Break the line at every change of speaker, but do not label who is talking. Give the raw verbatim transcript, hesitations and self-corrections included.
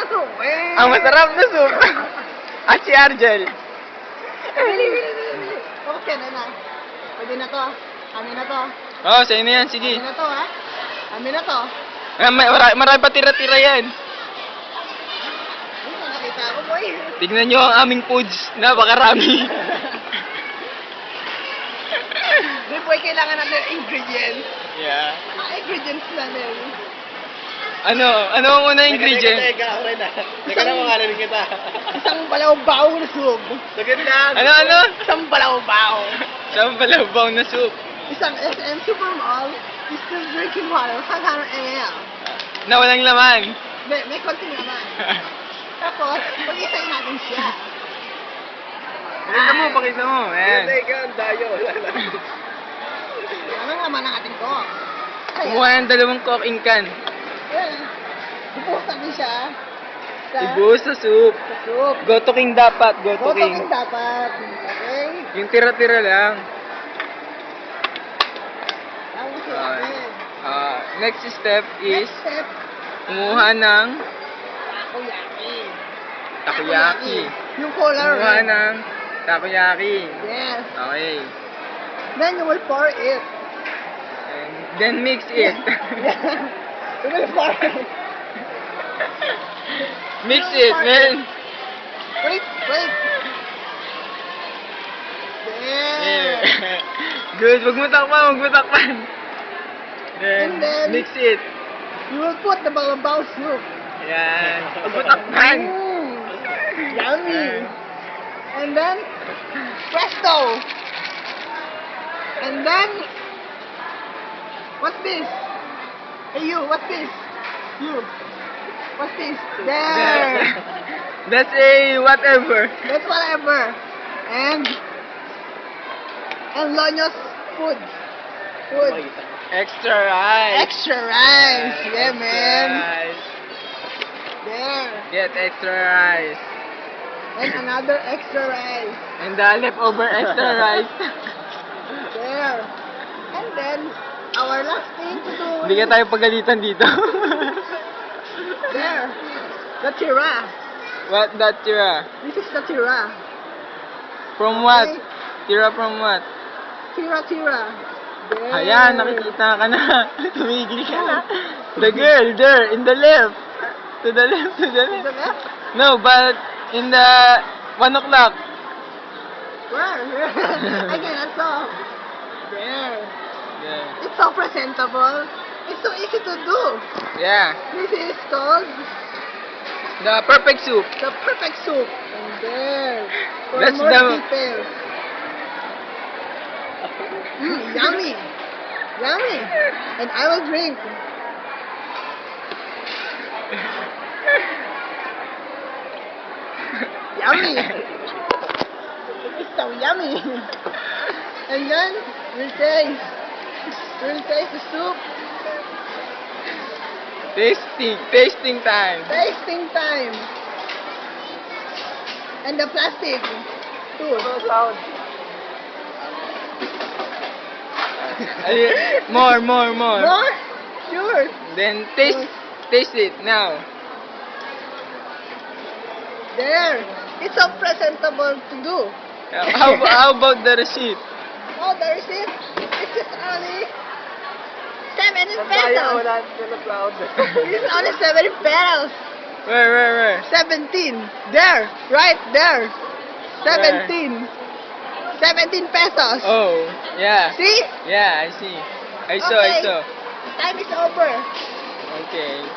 Ano eh?
Ang masarap na soup. At si Argel.
Bili, bili, bili, bili. Tapos yan, na. Pwede na to. Amin na to.
Oo, oh, sa'yo na yan. Sige.
Amin na to, ha? Amin na to.
Ah, may, marami, marami pa tira-tira yan.
Ay, nakakita ako, boy.
Tignan nyo ang aming foods. Napakarami.
Hindi, boy, kailangan natin ng ingredients.
Yeah.
Ang ingredients natin.
Ano? Ano ang unang ingredient?
Teka, teka, ako rin ah. Teka lang, makalamin kita.
Isang balaw-baw na soup.
Sagad lang.
Ano, ano?
Isang balaw-baw.
Saan balabaw na soup?
Isang S M Supermall distilled drinking water, five hundred milliliters.
Na walang laman.
May, may konti naman. Tapos, pag-isay natin siya.
Pakita mo, pakita mo. Ayan.
Teka, ang dayo. Wala lang.
Ano naman ang ating ko?
Kumuha ng dalawang cooking can.
Ayan. Ibuhos natin siya. Sa,
Ibuhos sa soup.
sa soup.
Goto king dapat. Goto
Goto
king.
king dapat. Okay?
Yung tira-tira lang.
Ang gusto
Ah,
natin.
ah, next step is
Next step,
kumuha ng
takoyaki.
takoyaki.
Yung color
Kumuha
red.
ng takoyaki.
Yes.
Okay.
Then you will pour it.
And then mix it.
You will pour it.
Mix it, man.
Wait, wait. There.
Yeah. Good. Wag mo takpan, wag mo takpan. Then,
And then-
mix it.
You will put the balabaw soup.
Yan. Wag mo takpan.
Mm, yummy. And then, presto. And then, what's this? Hey you, what's this? You. What's this? There.
That's a whatever.
That's whatever. And, and Lonyo's food. Food.
Extra rice.
Extra rice. Yeah,
Extra
man.
rice.
There.
Get extra rice.
And another extra rice.
And the leftover extra rice.
There. And then, our last thing to do
Hindi ka tayo pagalitan dito.
there. The tira.
What that tira?
This is the tira.
From what?
Okay.
Tira from what?
Tira, tira. There.
Ayan, nakikita ka na. Tumigil ka na. The girl there, in the left. To the left, to the
To
left.
the left?
No, but in the one o'clock.
Where? I cannot saw. There.
Yeah.
It's so presentable. It's so easy to do.
Yeah.
This is called
The perfect soup.
the perfect soup. And there. For
That's
more
the-
details. Mm, yummy. Yummy. And I will drink. Yummy. It's so yummy. And then we'll taste. We'll taste the soup.
Tasting, tasting time.
Tasting time. And the plastic too.
Ay, more, more, more.
More? Sure.
Then taste, taste it now.
There. It's so presentable to do.
How, how about the receipt?
Oh, the receipt. It's just only seventy
Ang dayo,
pesos.
wala sila cloud.
It's only seventy pesos.
Where, where, where?
Seventeen. There. Right there. Seventeen. Seventeen pesos.
Oh, yeah.
See?
Yeah, I see. I saw, I
Okay.
saw.
Time is over.
Okay.